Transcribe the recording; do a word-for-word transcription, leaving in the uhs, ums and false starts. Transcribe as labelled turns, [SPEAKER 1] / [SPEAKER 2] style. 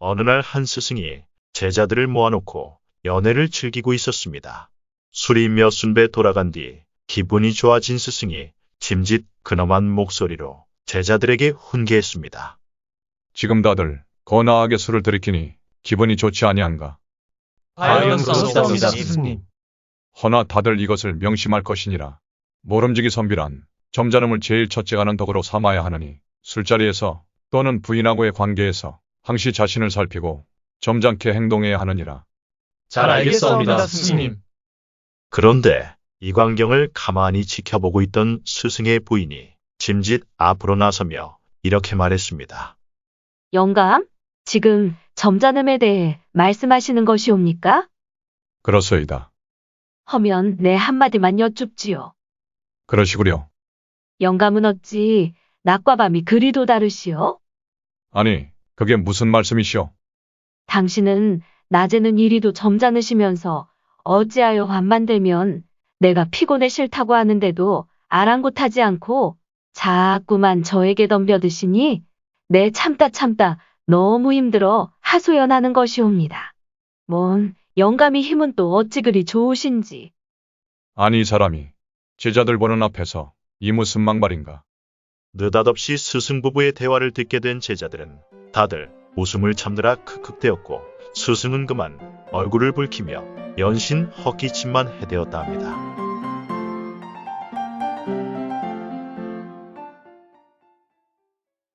[SPEAKER 1] 어느 날 한 스승이 제자들을 모아놓고 연애를 즐기고 있었습니다. 술이 몇 순배 돌아간 뒤 기분이 좋아진 스승이 짐짓 근엄한 목소리로 제자들에게 훈계했습니다.
[SPEAKER 2] 지금 다들 거나하게 술을 들이키니 기분이 좋지 아니한가.
[SPEAKER 3] 하였사옵니다, 스승님.
[SPEAKER 2] 허나 다들 이것을 명심할 것이니라. 모름지기 선비란 점잖음을 제일 첫째 하는 덕으로 삼아야 하느니 술자리에서 또는 부인하고의 관계에서 항시 자신을 살피고 점잖게 행동해야 하느니라.
[SPEAKER 3] 잘 알겠사옵니다, 스승님.
[SPEAKER 1] 그런데 이 광경을 가만히 지켜보고 있던 스승의 부인이 짐짓 앞으로 나서며 이렇게 말했습니다.
[SPEAKER 4] 영감, 지금 점잖음에 대해 말씀하시는 것이옵니까?
[SPEAKER 2] 그렇소이다.
[SPEAKER 4] 허면 내 한마디만 여쭙지요.
[SPEAKER 2] 그러시구려.
[SPEAKER 4] 영감은 어찌 낮과 밤이 그리도 다르시오?
[SPEAKER 2] 아니, 그게 무슨 말씀이시오?
[SPEAKER 4] 당신은 낮에는 이리도 점잖으시면서 어찌하여 밤만 되면 내가 피곤해 싫다고 하는데도 아랑곳하지 않고 자꾸만 저에게 덤벼드시니 내 참다 참다 너무 힘들어 하소연하는 것이옵니다. 뭔 영감이 힘은 또 어찌 그리 좋으신지.
[SPEAKER 2] 아니 이 사람이 제자들 보는 앞에서 이 무슨 막말인가.
[SPEAKER 1] 느닷없이 스승 부부의 대화를 듣게 된 제자들은 다들 웃음을 참느라 크크대었고 스승은 그만 얼굴을 붉히며 연신 헛기침만 해대었다 합니다.